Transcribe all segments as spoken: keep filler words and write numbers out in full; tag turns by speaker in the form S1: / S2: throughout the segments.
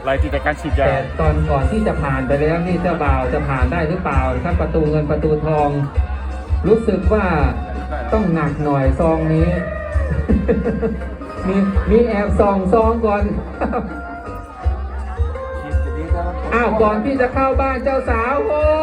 S1: รายติดจากการฉีดยา
S2: แต่ตอนก่อนที่จะผ่านไปแล้วนี่เจ้าบ่าวจะผ่านได้หรือเปล่าครับประตูเงินประตูทอง รู้สึกว่าต้องหนักหน่อยซองนี้ มีมีแอบซองซองก่อนอ้าวก่อนที่จะเข้าบ้านเจ้าสาวโอ้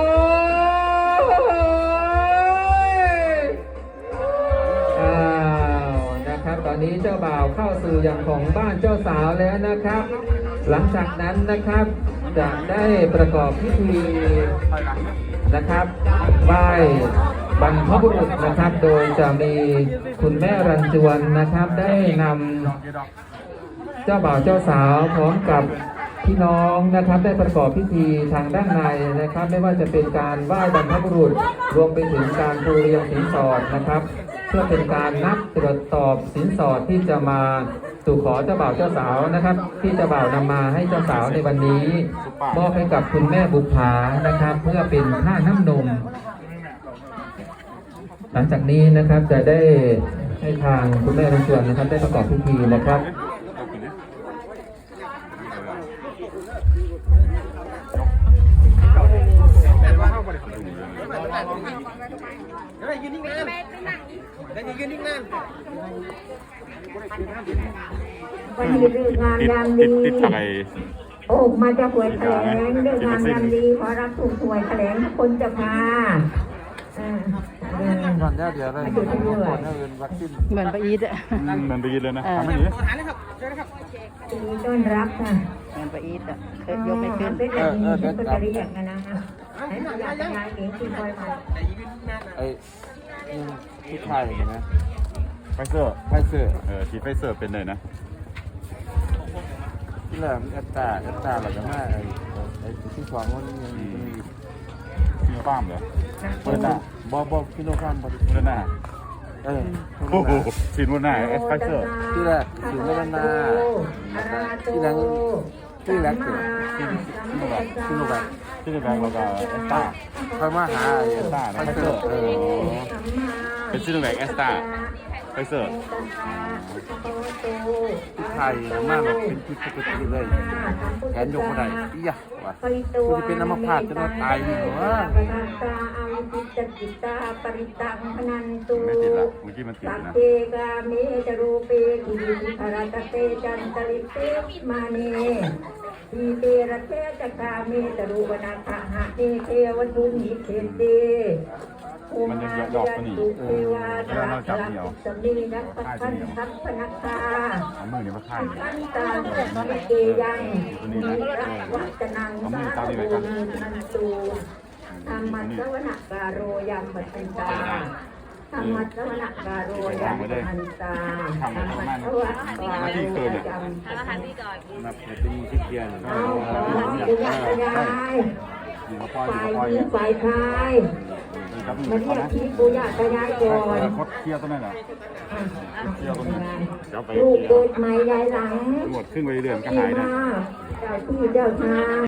S2: อ้าวนะครับตอนนี้เจ้าบ่าวเข้าสู่อย่างของบ้านเจ้าสาวแล้วนะครับหลังจากนั้นนะครับจะได้ประกอบพิธีนะครับไหว้บรรพบุรุษนะครับโดยจะมีคุณแม่รันจวนนะครับได้นำเจ้าบ่าวเจ้าสาวพร้อมกับพี่น้องนะครับได้ประกอบพิธีทางด้านในนะครับไม่ว่าจะเป็นการไหว้บรรพบุรุษรวมไปถึงการปูเรียงสินสอดนะครับเพื่อเป็นการนับตรวจสอบสินสอดที่จะมาสู่ขอเจ้าบ่าวเจ้าสาวนะครับที่เจ้าบ่าวนำมาให้เจ้าสาวในวันนี้มอบให้กับคุณแม่บุภานะครับเพื่อเป็นค่าน้ำนมหลังจากนี้นะครับจะได้ให้ทางคุณแม่รันจวนนะครับได้ประกอบพิธีนะครับ
S3: วันนี้เรื่องงานยามดีโอ้มาจะหวยแถลงเรื่องงานยามดีขอรับถูกหวยแถลงคนจะมา
S4: ก่อนเดี๋ยวเลย
S5: เหมือนไปอีทอ่ะ
S1: เหมือนไปอีทเลยนะทำไม่ดี
S3: ต้อนรับค่ะ
S5: เหมือนไปอีทอ่ะเคยยกไม่ขึ้น
S3: เป็นแบบนี้เป็นกระเรียกกันนะให้มาอยากงานเก่งที่คอยมา
S4: ไอ้ที่ไทยเห็นไหม
S1: ไฟเซอร์
S4: ไฟเซอร์
S1: เออทีไฟเซอร์เป็นเลยนะ
S4: ที่แหลมเอตตาเอตตาหลังจากนั้นไอ้ไอ้ที่สองมันยังมี
S1: ซีโนฟาร์มเหรอ
S4: เปิดหน้าบอบอบฟิโลฟาร์มบอ
S1: เปิดหน้า
S4: เออ
S1: โอ้โหซีโนหน้าไอ้ไฟเซอร์
S4: ที่แรกซีโนหน้าที่แรกที่แรกเกิด
S1: ซีโนแบคซีโนแบคซีโนแบคแล้วก็เอสตา
S4: ค่อยมาหา
S1: เอสตาไฟเซอร์เป็นซีโนแบคเอสตาไฟเซอร์
S4: ที่ไทยมากแบบเป็นพิษปกติเลยแขนยกไม่ได้อีหยะวะคุณจะเป็นน้ำมันพาดจะมาตายอยู่วะ
S1: ไม่ติดละเมื่อกี้มันติดนะ
S3: เปกาเมจรูเปกิริภารตเตจันตริเปมาเนทีเตระเทจกาเมจรูวนาคหะเนเทวทุนิเขเต
S1: มันยังหยอกกันอีกเออแล้วเราจับเดียว
S3: สมีนักพันทัพพนักตา
S1: เอามือเนี่ยมาข้าง
S3: พันตาสเกยังมีรักวัจนังสาธุนันตูธรรมะสวนาการโรยามปัตตาธรรมะสวนาการโรยามปัตตาธรรมะสวนาการโรยามปัตตา
S4: นับเป็นมีที่เกียร์
S3: เอาปุญญาญาฝ่ายหญิงฝ่ายชายมาเรียกที่ปุญญาญาก่อน
S1: คดเคี้ยวตัวนั้นเหรอเคี้ยวตัวนี้
S3: ลูกเกิดใหม่ยายหลัง
S1: หมดขึ้นไปเรื่อยๆก็หายนะ
S3: เจ้าที่เจ้าทาง